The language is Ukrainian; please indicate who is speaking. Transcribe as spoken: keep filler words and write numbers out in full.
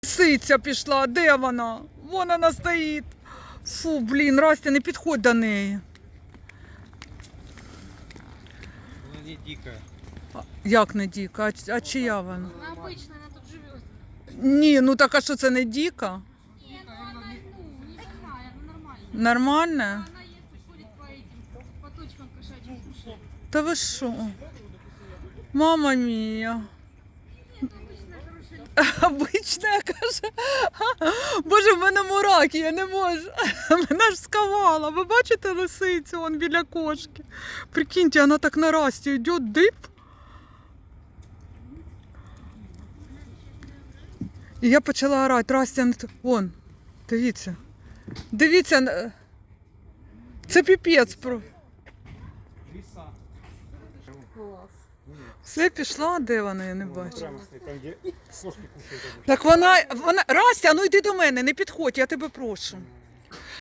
Speaker 1: Лисиця пішла, де вона? Вон вона стоїть. Фу, блін, Растя, не підходь до неї.
Speaker 2: Вона не дика.
Speaker 1: А, як не діка? А, а чия вона?
Speaker 3: Она обычно, она тут живет.
Speaker 1: Ні, ну так а що це не діка?
Speaker 3: Нет, ну она, ну, не такая, она нормальная.
Speaker 1: Нормальна?
Speaker 3: Она ест, ходит по этим, по точкам кошачьим.
Speaker 1: Та ви що? Мама мія.
Speaker 3: Нет, обычная хорошая.
Speaker 1: Обична, каже. Боже, в мене мураки, я не можу. Мене ж сковала. Ви бачите лисицю вон біля кошки? Прикиньте, вона так на Расті йде, дип. І я почала орати. Растя, не т- вон, дивіться. Дивіться, на- це піпець. про-
Speaker 2: Лиса.
Speaker 1: Все пішла, де вона, я не бачу.
Speaker 2: Прямо стоит, там где кошки кушают.
Speaker 1: Так вона, вона, Растя, ну йди до мене, не підходь, я тебе прошу.